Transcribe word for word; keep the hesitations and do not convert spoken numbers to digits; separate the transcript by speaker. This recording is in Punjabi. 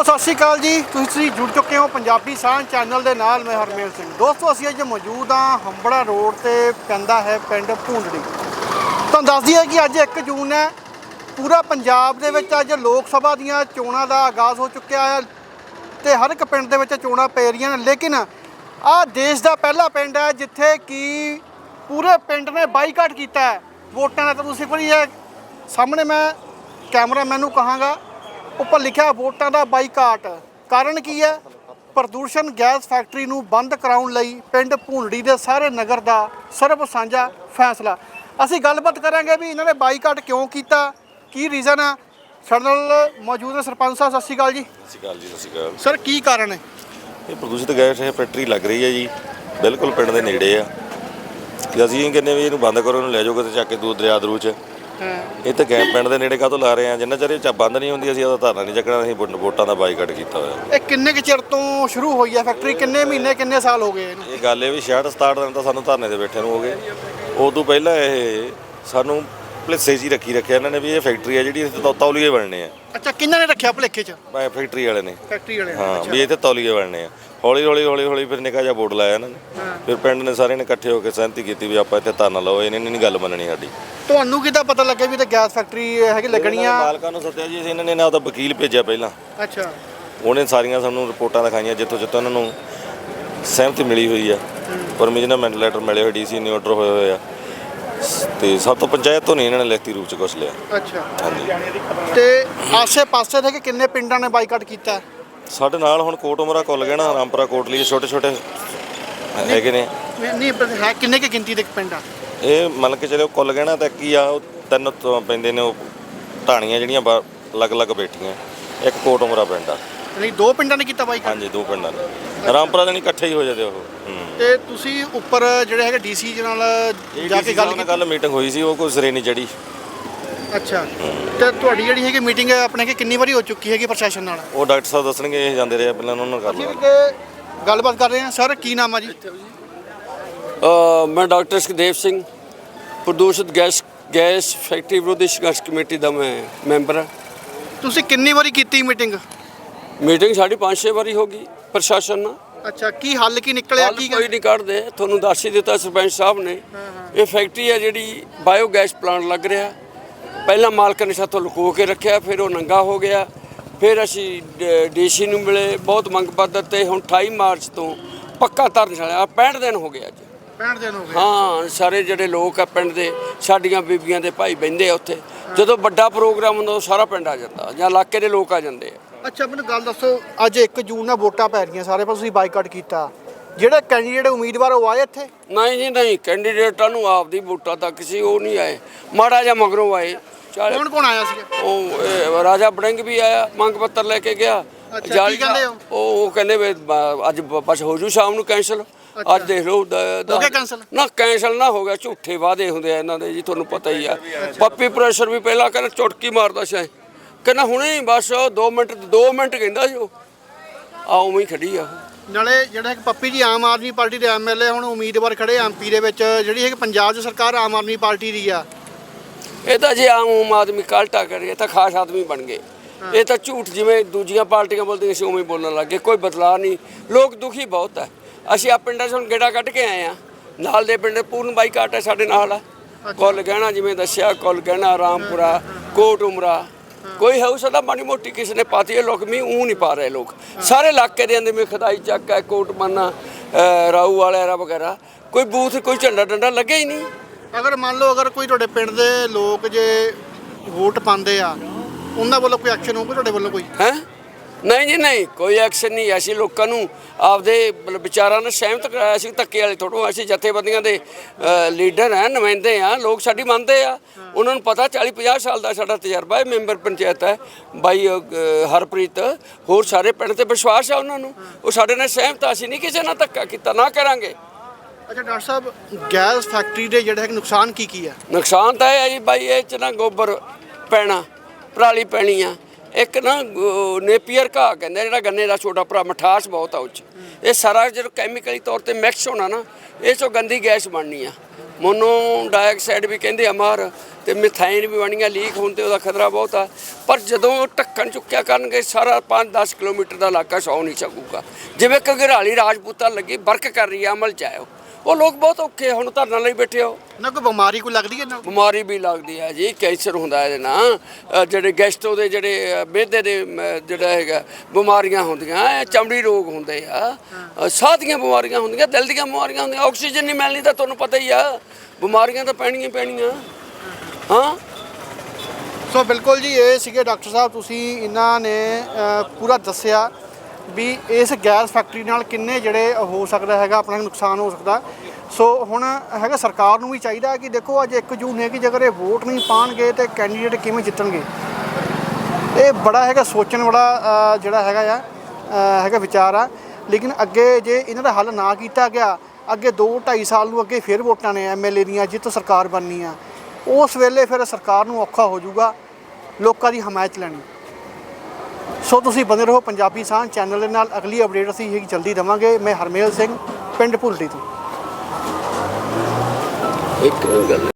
Speaker 1: ਦੋਸਤੋ ਸਤਿ ਸ਼੍ਰੀ ਅਕਾਲ ਜੀ। ਤੁਸੀਂ ਜੁੜ ਚੁੱਕੇ ਹੋ ਪੰਜਾਬੀ ਸਾਂਝ ਚੈਨਲ ਦੇ ਨਾਲ। ਮੈਂ ਹਰਮੇਲ ਸਿੰਘ। ਦੋਸਤੋ ਅਸੀਂ ਅੱਜ ਮੌਜੂਦ ਹਾਂ ਹੰਬੜਾ ਰੋਡ ਤੇ ਪੈਂਦਾ ਹੈ ਪਿੰਡ ਭੂੰਦੜੀ। ਤੁਹਾਨੂੰ ਦੱਸ ਦਈਏ ਕਿ ਅੱਜ ਇੱਕ ਜੂਨ ਹੈ। ਪੂਰਾ ਪੰਜਾਬ ਦੇ ਵਿੱਚ ਅੱਜ ਲੋਕ ਸਭਾ ਦੀਆਂ ਚੋਣਾਂ ਦਾ ਆਗਾਜ਼ ਹੋ ਚੁੱਕਿਆ ਹੈ ਤੇ ਹਰ ਇੱਕ ਪਿੰਡ ਦੇ ਵਿੱਚ ਚੋਣਾਂ ਪੈ ਰਹੀਆਂ ਨੇ। ਲੇਕਿਨ ਆਹ ਦੇਸ਼ ਦਾ ਪਹਿਲਾ ਪਿੰਡ ਹੈ ਜਿੱਥੇ ਕਿ ਪੂਰੇ ਪਿੰਡ ਨੇ ਬਾਈਕਾਟ ਕੀਤਾ ਹੈ ਵੋਟਾਂ ਦਾ। ਤਾਂ ਤੁਸੀਂ ਕੋਈ ਇਹ ਸਾਹਮਣੇ ਮੈਂ ਕੈਮਰਾਮੈਨ ਨੂੰ ਕਹਾਂਗਾ, ਉੱਪਰ ਲਿਖਿਆ ਵੋਟਾਂ ਦਾ ਬਾਈਕਾਟ। ਕਾਰਨ ਕੀ ਹੈ? ਪ੍ਰਦੂਸ਼ਣ ਗੈਸ ਫੈਕਟਰੀ ਨੂੰ ਬੰਦ ਕਰਾਉਣ ਲਈ ਪਿੰਡ ਭੂੰਦੜੀ ਦੇ ਸਾਰੇ ਨਗਰ ਦਾ ਸਰਬ ਸਾਂਝਾ ਫੈਸਲਾ। ਅਸੀਂ ਗੱਲਬਾਤ ਕਰਾਂਗੇ ਵੀ ਇਹਨਾਂ ਨੇ ਬਾਈਕਾਟ ਕਿਉਂ ਕੀਤਾ, ਕੀ ਰੀਜ਼ਨ ਆ। ਸਾਡੇ ਨਾਲ ਮੌਜੂਦ ਹੈ ਸਰਪੰਚ ਸਾਹਿਬ। ਸਤਿ ਸ਼੍ਰੀ ਅਕਾਲ ਜੀ।
Speaker 2: ਸਤਿ ਸ਼੍ਰੀ ਅਕਾਲ ਜੀ। ਸਤਿ ਸ਼੍ਰੀ ਅਕਾਲ
Speaker 1: ਸਰ, ਕੀ ਕਾਰਨ ਹੈ?
Speaker 2: ਇਹ ਪ੍ਰਦੂਸ਼ਿਤ ਗੈਸ ਇਹ ਫੈਕਟਰੀ ਲੱਗ ਰਹੀ ਹੈ ਜੀ, ਬਿਲਕੁਲ ਪਿੰਡ ਦੇ ਨੇੜੇ ਆ। ਤੇ ਅਸੀਂ ਇਹ ਕਹਿੰਦੇ ਵੀ ਇਹਨੂੰ ਬੰਦ ਕਰੋ, ਇਹਨੂੰ ਲੈ ਜਾਓ ਕਿਤੇ ਚੱਕ ਕੇ ਦੂਰ ਦਰਿਆ ਦਰੂ 'ਚ। ਇਹ ਤਾਂ ਗੈਸ ਪਿੰਡ ਦੇ ਨੇੜੇ ਕਾਹਤੋਂ ਲਾ ਰਹੇ ਆ? ਜਿੰਨਾ ਚਿਰ ਇਹ ਚ ਬੰਦ ਨਹੀਂ ਹੁੰਦੀ ਅਸੀਂ ਉਹਦਾ ਧਰਨਾ ਨਹੀਂ ਚੱਕਣਾ। ਅਸੀਂ ਵੋਟਾਂ ਦਾ ਬਾਈਕਾਟ ਕੀਤਾ ਹੋਇਆ।
Speaker 1: ਇਹ ਕਿੰਨੇ ਕੁ ਚਿਰ ਤੋਂ ਸ਼ੁਰੂ ਹੋਈ ਹੈ ਫੈਕਟਰੀ? ਕਿੰਨੇ ਮਹੀਨੇ ਕਿੰਨੇ ਸਾਲ ਹੋ ਗਏ ਇਹਨੂੰ?
Speaker 2: ਇਹ ਗੱਲ ਇਹ ਵੀ ਛਿਆਹਠ ਸਤਾਹਠ ਦਿਨ ਤਾਂ ਸਾਨੂੰ ਧਰਨੇ 'ਤੇ ਬੈਠੇ ਨੂੰ ਹੋ ਗਏ। ਉਦੋਂ ਪਹਿਲਾਂ ਇਹ ਸਾਨੂੰ ਭਲੇਸੇ 'ਚ ਹੀ ਰੱਖੀ ਰੱਖਿਆ ਇਹਨਾਂ ਨੇ ਵੀ ਇਹ ਫੈਕਟਰੀ ਆ ਜਿਹੜੀ ਇੱਥੇ ਤੌਲੀਏ ਬਣਨੇ ਆ।
Speaker 1: ਅੱਛਾ, ਕਿਹਨਾਂ ਨੇ ਰੱਖਿਆ ਭੁਲੇਖੇ 'ਚ?
Speaker 2: ਮੈਂ ਫੈਕਟਰੀ ਵਾਲੇ ਨੇ।
Speaker 1: ਫੈਕਟਰੀ ਵਾਲੇ?
Speaker 2: ਹਾਂ, ਵੀ ਇੱਥੇ ਤੌਲੀਏ ਬਣਨੇ ਆ। ਹੌਲੀ ਹੌਲੀ ਹੌਲੀ ਹੌਲੀ ਫਿਰ ਨਿੱਕਾ ਜਿਹਾ ਬੋਰਡ ਲਾਇਆ ਇਹਨਾਂ ਨੇ। ਫਿਰ ਪਿੰਡ ਨੇ ਸਾਰਿਆਂ ਨੇ ਇਕੱਠੇ ਹੋ ਕੇ ਸਹਿਮਤੀ ਕੀਤੀ ਵੀ ਆਪਾਂ ਇੱਥੇ ਧਰਨਾ ਲਾਓ। ਇਹਨੇ ਨਹੀਂ ਗੱਲ ਮੰਨਣੀ ਸਾਡੀ।
Speaker 1: ਤੁਹਾਨੂੰ ਕਿੱਦਾਂ ਪਤਾ ਲੱਗਿਆ ਵੀ ਤੇ ਗੈਸ ਫੈਕਟਰੀ ਹੈਗੀ ਲੱਗਣੀ ਆ?
Speaker 2: ਮਾਲਕਾਂ ਨੂੰ ਸੱਦਿਆ ਜੀ ਅਸੀਂ। ਇਹਨਾਂ ਨੇ ਨਾ ਉਹਦਾ ਵਕੀਲ ਭੇਜਿਆ ਪਹਿਲਾਂ।
Speaker 1: ਅੱਛਾ।
Speaker 2: ਉਹਨੇ ਸਾਰੀਆਂ ਸਾਨੂੰ ਰਿਪੋਰਟਾਂ ਦਿਖਾਈਆਂ ਜਿੱਥੋਂ ਜਿੱਥੋਂ ਇਹਨਾਂ ਨੂੰ ਸਹਿਮਤੀ ਮਿਲੀ ਹੋਈ ਆ। ਪਰਮਿਸ਼ਨਮੈਂਟ ਲੈਟਰ ਮਿਲੇ ਹੋਏ, ਡੀ ਸੀ ਨੇ ਆਰਡਰ ਹੋਏ ਹੋਏ ਆ। ਤੇ ਸਭ ਤੋਂ ਪੰਚਾਇਤ ਤੋਂ ਨਹੀਂ ਇਹਨਾਂ ਨੇ ਲਿਖਤੀ ਰੂਪ 'ਚ ਕੁਛ ਲਿਆ।
Speaker 1: ਅੱਛਾ।
Speaker 2: ਹਾਂਜੀ।
Speaker 1: ਤੇ ਆਸੇ ਪਾਸੇ ਦੇ ਕਿੰਨੇ ਪਿੰਡਾਂ ਨੇ ਬਾਈਕਾਟ ਕੀਤਾ?
Speaker 2: ਸਾਡੇ ਨਾਲ ਹੁਣ ਕੋਟ ਉਮਰਾ ਕੁੱਲ ਗਏ ਨਾ, ਰਾਮਪੁਰਾ ਕੋਟਲੀ ਛੋਟੇ ਛੋਟੇ ਹੈਗੇ ਨੇ।
Speaker 1: ਨਹੀਂ ਹੈ ਕਿੰਨੇ ਕੁ ਗਿਣਤੀ ਦੇ ਪਿੰਡ ਆ
Speaker 2: ਇਹ? ਮੰਨ ਕੇ ਚਲੋ ਕੁੱਲ ਗਏ ਨਾ ਤਾਂ ਕੀ ਆ, ਉਹ ਤਿੰਨ ਤੋਂ ਪੈਂਦੇ ਨੇ ਉਹ ਢਾਣੀਆਂ ਜਿਹੜੀਆਂ ਅਲੱਗ ਅਲੱਗ ਬੈਠੀਆਂ। ਇੱਕ ਕੋਟ ਉਮਰਾ ਪਿੰਡ ਆ।
Speaker 1: ਨਹੀਂ, ਦੋ ਪਿੰਡਾਂ ਨੇ ਕੀਤਾ ਬਾਈਕਾਟ?
Speaker 2: ਹਾਂਜੀ, ਦੋ ਪਿੰਡਾਂ ਨੇ। ਰਾਮਪੁਰਾ ਦੇ ਨਹੀਂ ਇਕੱਠੇ ਹੀ ਹੋ ਜਾਂਦੇ ਉਹ।
Speaker 1: ਤੇ ਤੁਸੀਂ ਉੱਪਰ ਜਿਹੜੇ ਹੈਗੇ ਡੀਸੀ ਜੀ ਨਾਲ ਜਾ ਕੇ ਗੱਲ ਕੀਤੀ?
Speaker 2: ਗੱਲ ਮੀਟਿੰਗ ਹੋਈ ਸੀ, ਉਹ ਕੋਈ ਸਿਰੇ ਨਹੀਂ ਚੜੀ।
Speaker 1: ਅੱਛਾ। ਤੇ ਤੁਹਾਡੀ ਜਿਹੜੀ ਹੈਗੀ ਮੀਟਿੰਗ ਆਪਣੇ ਕਿ ਕਿੰਨੀ ਵਾਰੀ ਹੋ ਚੁੱਕੀ ਹੈਗੀ ਪ੍ਰਸ਼ਾਸਨ ਨਾਲ?
Speaker 2: ਉਹ ਡਾਕਟਰ ਸਾਹਿਬ ਦੱਸਣਗੇ, ਇਹ ਜਾਂਦੇ ਰਹੇ ਪਹਿਲਾਂ, ਉਹਨਾਂ ਨਾਲ ਕਰ ਲਵਾਂਗੇ।
Speaker 1: ਅਸੀਂ ਗੱਲਬਾਤ ਕਰ ਰਹੇ ਹਾਂ। ਸਰ, ਕੀ ਨਾਮ ਆ ਜੀ?
Speaker 3: मैं डॉक्टर सुखदेव सिंह, प्रदूषित गैस गैस फैक्ट्री विरोधी संघर्ष कमेटी का मैं मैंबर हाँ।
Speaker 1: ਤੁਸੀਂ ਕਿੰਨੀ ਵਾਰੀ ਕੀਤੀ ਮੀਟਿੰਗ?
Speaker 3: मीटिंग साढ़ी पाँच छे बारी होगी प्रशासन ਨਾਲ।
Speaker 1: ਅੱਛਾ, ਕੀ ਹੱਲ ਕੀ ਨਿਕਲਿਆ? ਕੀ
Speaker 3: ਕੋਈ ਨਹੀਂ ਕੱਢਦੇ। ਤੁਹਾਨੂੰ ਦੱਸ ਹੀ ਦਿੱਤਾ ਸਰਪੰਚ ਸਾਹਿਬ ਨੇ। ਇਹ ਫੈਕਟਰੀ ਹੈ ਜਿਹੜੀ ਬਾਇਓਗੈਸ ਪਲਾਂਟ ਲੱਗ ਰਿਹਾ। ਪਹਿਲਾਂ ਮਾਲਕ ਨੇ ਸਾਥੋਂ ਲੁਕੋ ਕੇ ਰੱਖਿਆ, ਫਿਰ ਉਹ ਨੰਗਾ ਹੋ ਗਿਆ। ਫਿਰ ਅਸੀਂ ਡੀਸੀ ਨੂੰ ਮਿਲੇ, ਬਹੁਤ ਮੰਗ ਪੱਤਰ ਤੇ ਹੁਣ ਅਠਾਈ ਮਾਰਚ ਤੋਂ ਪੱਕਾ ਧਰਮਸ਼ਾਲਾ। ਪੈਂਹਠ ਦਿਨ ਹੋ ਗਏ ਅੱਜ।
Speaker 1: ਪੈਂਹਠ ਦਿਨ ਹੋ ਗਏ?
Speaker 3: ਹਾਂ, ਸਾਰੇ ਜਿਹੜੇ ਲੋਕ ਆ ਪਿੰਡ ਦੇ, ਸਾਡੀਆਂ ਬੀਬੀਆਂ ਦੇ ਭਾਈ ਬਹਿੰਦੇ ਆ ਉੱਥੇ। ਜਦੋਂ ਵੱਡਾ ਪ੍ਰੋਗਰਾਮ ਹੁੰਦਾ ਉਹ ਸਾਰਾ ਪਿੰਡ ਆ ਜਾਂਦਾ ਜਾਂ ਇਲਾਕੇ ਦੇ ਲੋਕ ਆ ਜਾਂਦੇ ਆ।
Speaker 1: ਅੱਛਾ, ਮੈਨੂੰ ਗੱਲ ਦੱਸੋ, ਅੱਜ ਇੱਕ ਜੂਨ ਨਾਲ ਵੋਟਾਂ ਪੈ ਰਹੀਆਂ ਸਾਰੇ ਪਾਸੇ, ਤੁਸੀਂ ਬਾਈਕਾਟ ਕੀਤਾ। ਜਿਹੜੇ ਕੈਂਡੀਡੇਟ ਉਮੀਦਵਾਰ ਉਹ ਆਏ ਇੱਥੇ?
Speaker 3: ਨਹੀਂ ਜੀ ਨਹੀਂ, ਕੈਂਡੀਡੇਟਾਂ ਨੂੰ ਆਪਦੀ ਵੋਟਾਂ ਤੱਕ ਸੀ, ਉਹ ਨਹੀਂ ਆਏ। ਮਾੜਾ ਜਿਹਾ ਮਗਰੋਂ ਆਏ।
Speaker 1: ਕੌਣ ਕੌਣ ਆਇਆ ਸੀ?
Speaker 3: ਉਹ ਇਹ ਰਾਜਾ ਬੜਿੰਗ ਵੀ ਆਇਆ, ਮੰਗ ਪੱਤਰ ਲੈ ਕੇ ਗਿਆ।
Speaker 1: ਅੱਛਾ, ਕੀ ਕਹਿੰਦੇ ਹੋ?
Speaker 3: ਉਹ ਉਹ ਕਹਿੰਦੇ ਵੀ ਬ- ਅੱਜ ਬਸ ਹੋ ਜੂ ਸ਼ਾਮ ਨੂੰ ਕੈਂਸਲ। ਅੱਜ ਦੇਖ ਲਓ
Speaker 1: ਹੋ ਗਿਆ ਕੈਂਸਲ?
Speaker 3: ਨਾ, ਕੈਂਸਲ ਨਾ ਹੋ ਗਿਆ। ਝੂਠੇ ਵਾਅਦੇ ਹੁੰਦੇ ਆ ਇਹਨਾਂ ਦੇ ਜੀ, ਤੁਹਾਨੂੰ ਪਤਾ ਹੀ ਆ। ਪੱਪੀ ਪ੍ਰੈਸ਼ਰ ਵੀ ਪਹਿਲਾਂ ਕਹਿੰਦਾ ਚੁਟਕੀ ਮਾਰਦਾ ਸੀ, ਕਹਿੰਦਾ ਹੁਣੇ ਬਸ ਦੋ ਮਿੰਟ ਦੋ ਮਿੰਟ ਕਹਿੰਦਾ ਸੀ ਉਹ। ਆ ਉਵੇਂ ਹੀ ਖੜੀ ਆ ਉਹ।
Speaker 1: ਨਾਲੇ ਜਿਹੜਾ ਇੱਕ ਪੱਪੀ ਜੀ ਆਮ ਆਦਮੀ ਪਾਰਟੀ ਦੇ ਐਮ ਐਲ ਏ ਹੁਣ ਉਮੀਦਵਾਰ ਖੜੇ ਐਮ ਪੀ ਦੇ ਵਿੱਚ, ਜਿਹੜੀ ਹੈ ਕਿ ਪੰਜਾਬ 'ਚ ਸਰਕਾਰ ਆਮ ਆਦਮੀ ਪਾਰਟੀ ਦੀ ਆ।
Speaker 3: ਇਹ ਤਾਂ ਜੇ ਆਮ ਆਦਮੀ ਕਾਲਟਾ ਕਰੇ ਤਾਂ ਖਾਸ ਆਦਮੀ ਬਣ ਗਏ। ਇਹ ਤਾਂ ਝੂਠ ਜਿਵੇਂ ਦੂਜੀਆਂ ਪਾਰਟੀਆਂ ਬੋਲਦੀਆਂ ਸੀ ਉਵੇਂ ਬੋਲਣ ਲੱਗ ਗਏ। ਕੋਈ ਬਦਲਾਅ ਨਹੀਂ। ਲੋਕ ਦੁਖੀ ਬਹੁਤ ਹੈ। ਅਸੀਂ ਆ ਪਿੰਡਾਂ 'ਚ ਹੁਣ ਗੇੜਾ ਕੱਢ ਕੇ ਆਏ ਹਾਂ। ਨਾਲ ਦੇ ਪਿੰਡ ਪੂਰਨ ਬਾਈਕਾਟ ਹੈ ਸਾਡੇ ਨਾਲ। ਕੁੱਲ ਗਹਿਣਾ ਜਿਵੇਂ ਦੱਸਿਆ, ਕੁੱਲ ਗਹਿਣਾ, ਰਾਮਪੁਰਾ, ਕੋਟ ਉਮਰਾ, ਕੋਈ ਹੈ ਉਸ ਦਾ ਮਾੜੀ ਮੋਟੀ ਕਿਸੇ ਨੇ ਪਾਤੀ ਹੈ। ਲੋਕ ਮੀਂਹ ਊਂ ਨਹੀਂ ਪਾ ਰਹੇ। ਲੋਕ ਸਾਰੇ ਇਲਾਕੇ ਦੇ ਅੰਦਰ ਮੀਂਹ ਖਦਾਈ ਚੱਕ ਹੈ, ਕੋਟ ਮੰਨਾ, ਰਾਊ ਵਾਲਿਆ ਵਗੈਰਾ, ਕੋਈ ਬੂਥ ਕੋਈ ਝੰਡਾ ਡੰਡਾ ਲੱਗਿਆ ਹੀ ਨਹੀਂ।
Speaker 1: ਅਗਰ ਮੰਨ ਲਓ ਅਗਰ ਕੋਈ ਤੁਹਾਡੇ ਪਿੰਡ ਦੇ ਲੋਕ ਜੇ ਵੋਟ ਪਾਉਂਦੇ ਆ, ਉਹਨਾਂ ਵੱਲੋਂ ਕੋਈ ਐਕਸ਼ਨ ਹੋਊਗਾ ਤੁਹਾਡੇ ਵੱਲੋਂ ਕੋਈ?
Speaker 3: ਹੈ ਨਹੀਂ ਜੀ ਨਹੀਂ, ਕੋਈ ਐਕਸ਼ਨ ਨਹੀਂ। ਅਸੀਂ ਲੋਕਾਂ ਨੂੰ ਆਪਦੇ ਵਿਚਾਰਾਂ ਨਾਲ ਸਹਿਮਤ ਕਰਾਇਆ ਸੀ। ਧੱਕੇ ਵਾਲੇ ਥੋੜ੍ਹਾ। ਅਸੀਂ ਜਥੇਬੰਦੀਆਂ ਦੇ ਲੀਡਰ ਹਾਂ, ਨੁਮਾਇੰਦੇ ਹਾਂ। ਲੋਕ ਸਾਡੀ ਮੰਨਦੇ ਆ। ਉਹਨਾਂ ਨੂੰ ਪਤਾ ਚਾਲੀ ਪੰਜਾਹ ਸਾਲ ਦਾ ਸਾਡਾ ਤਜਰਬਾ ਹੈ। ਮੈਂਬਰ ਪੰਚਾਇਤ ਹੈ ਬਾਈ ਹਰਪ੍ਰੀਤ, ਹੋਰ ਸਾਰੇ ਪਿੰਡ 'ਤੇ ਵਿਸ਼ਵਾਸ ਆ ਉਹਨਾਂ ਨੂੰ। ਉਹ ਸਾਡੇ ਨਾਲ ਸਹਿਮਤ ਆ। ਅਸੀਂ ਨਹੀਂ ਕਿਸੇ ਨਾਲ ਧੱਕਾ ਕੀਤਾ, ਨਾ ਕਰਾਂਗੇ।
Speaker 1: ਅੱਛਾ ਡਾਕਟਰ ਸਾਹਿਬ, ਗੈਸ ਫੈਕਟਰੀ ਦੇ ਜਿਹੜੇ ਹੈ ਨੁਕਸਾਨ ਕੀ ਕੀ ਆ?
Speaker 3: ਨੁਕਸਾਨ ਤਾਂ ਇਹ ਹੈ ਜੀ ਬਾਈ, ਇਹ 'ਚ ਨਾ ਗੋਬਰ ਪੈਣਾ, ਪਰਾਲੀ ਪੈਣੀ ਆ। ਇੱਕ ਨਾ ਨੇਪੀਅਰ ਘਾਹ ਕਹਿੰਦੇ, ਜਿਹੜਾ ਗੰਨੇ ਦਾ ਛੋਟਾ ਭਰਾ, ਮਿਠਾਸ ਬਹੁਤ ਆ ਉਹ 'ਚ। ਇਹ ਸਾਰਾ ਜਦੋਂ ਕੈਮੀਕਲੀ ਤੌਰ 'ਤੇ ਮਿਕਸ ਹੋਣਾ ਨਾ, ਇਹ 'ਚੋਂ ਗੰਦੀ ਗੈਸ ਬਣਨੀ ਆ। ਮੋਨੋ ਡਾਈਆਕਸਾਈਡ ਵੀ ਕਹਿੰਦੇ ਆ ਮਾਰ, ਤੇ ਮਿਥਾਈਨ ਵੀ ਬਣੀਆਂ ਲੀਕ ਹੋਣ ਤੇ ਉਹਦਾ ਖਤਰਾ ਬਹੁਤ ਆ। ਪਰ ਜਦੋਂ ਢੱਕਣ ਚੁੱਕਿਆ ਕਰਨਗੇ ਸਾਰਾ ਪੰਜ ਦਸ ਕਿਲੋਮੀਟਰ ਦਾ ਇਲਾਕਾ ਸੌ ਨਹੀਂ ਸਕੂਗਾ। ਜਿਵੇਂ ਘਗਰਾਲੀ ਰਾਜਪੂਤਾਂ ਲੱਗੀ ਵਰਕ ਕਰ ਰਹੀ ਆ, ਅਮਲ ਚ ਆਇਓ। ਉਹ ਲੋਕ ਬਹੁਤ ਔਖੇ ਹੁਣ ਧਰਨਾ ਲਈ ਬੈਠੇ ਹੋ।
Speaker 1: ਨਾ ਕੋਈ ਬਿਮਾਰੀ ਕੋਈ ਲੱਗਦੀ ਹੈ ਨਾ?
Speaker 3: ਬਿਮਾਰੀ ਵੀ ਲੱਗਦੀ ਹੈ ਜੀ, ਕੈਂਸਰ ਹੁੰਦਾ ਇਹਦੇ ਨਾਲ, ਅ, ਜਿਹੜੇ ਗੈਸਟੋ ਦੇ ਜਿਹੜੇ ਮਿਹਦੇ ਦੇ ਮ, ਜਿਹੜਾ ਹੈਗਾ ਬਿਮਾਰੀਆਂ ਹੁੰਦੀਆਂ, ਇਹ ਚਮੜੀ ਰੋਗ ਹੁੰਦੇ ਆ, ਅ, ਸਾਹ ਦੀਆਂ ਬਿਮਾਰੀਆਂ ਹੁੰਦੀਆਂ, ਦਿਲ ਦੀਆਂ ਬਿਮਾਰੀਆਂ ਹੁੰਦੀਆਂ। ਆਕਸੀਜਨ ਨਹੀਂ ਮਿਲਣੀ ਤਾਂ ਤੁਹਾਨੂੰ ਪਤਾ ਹੀ ਆ, ਬਿਮਾਰੀਆਂ ਤਾਂ ਪੈਣੀਆਂ ਹੀ ਪੈਣੀਆਂ। ਹਾਂ
Speaker 1: ਸੋ ਬਿਲਕੁਲ ਜੀ, ਇਹ ਸੀਗੇ ਡਾਕਟਰ ਸਾਹਿਬ, ਤੁਸੀਂ ਇਹਨਾਂ ਨੇ ਅ, ਪੂਰਾ ਦੱਸਿਆ ਵੀ ਇਸ ਗੈਸ ਫੈਕਟਰੀ ਨਾਲ ਕਿੰਨੇ ਜਿਹੜੇ ਹੋ ਸਕਦਾ ਹੈਗਾ ਆਪਣਾ ਨੁਕਸਾਨ ਹੋ ਸਕਦਾ। ਸੋ ਹੁਣ ਹੈਗਾ ਸਰਕਾਰ ਨੂੰ ਵੀ ਚਾਹੀਦਾ ਕਿ ਦੇਖੋ ਅੱਜ ਇੱਕ ਜੂਨ ਹੈ ਕਿ ਜੇਕਰ ਇਹ ਵੋਟ ਨਹੀਂ ਪਾਉਣਗੇ ਤੇ ਕੈਂਡੀਡੇਟ ਕਿਵੇਂ ਜਿੱਤਣਗੇ। ਇਹ ਬੜਾ ਹੈਗਾ ਸੋਚਣ ਵਾਲਾ ਜਿਹੜਾ ਹੈਗਾ ਆ ਹੈਗਾ ਵਿਚਾਰ ਆ। ਲੇਕਿਨ ਅੱਗੇ ਜੇ ਇਹਨਾਂ ਦਾ ਹੱਲ ਨਾ ਕੀਤਾ ਗਿਆ, ਅੱਗੇ ਦੋ ਢਾਈ ਸਾਲ ਨੂੰ ਅੱਗੇ ਫਿਰ ਵੋਟਾਂ ਨੇ ਐਮ ਐਲ ਏ ਦੀਆਂ, ਜਿੱਤ ਸਰਕਾਰ ਬਣਨੀ ਆ, ਉਸ ਵੇਲੇ ਫਿਰ ਸਰਕਾਰ ਨੂੰ ਔਖਾ ਹੋ ਜਾਊਗਾ ਲੋਕਾਂ ਦੀ ਹਮਾਇਤ ਲੈਣੀ। ਸੋ ਤੁਸੀਂ ਬਣੇ ਰਹੋ ਪੰਜਾਬੀ ਸਾਂਝ ਚੈਨਲ ਦੇ ਨਾਲ। ਅਗਲੀ ਅਪਡੇਟ ਅਸੀਂ ਇਹ ਜਲਦੀ ਦੇਵਾਂਗੇ। ਮੈਂ ਹਰਮੇਲ ਸਿੰਘ, ਪਿੰਡ ਭੁੱਲੜੀ ਤੋਂ।
Speaker 3: ਇੱਕ ਗੱਲ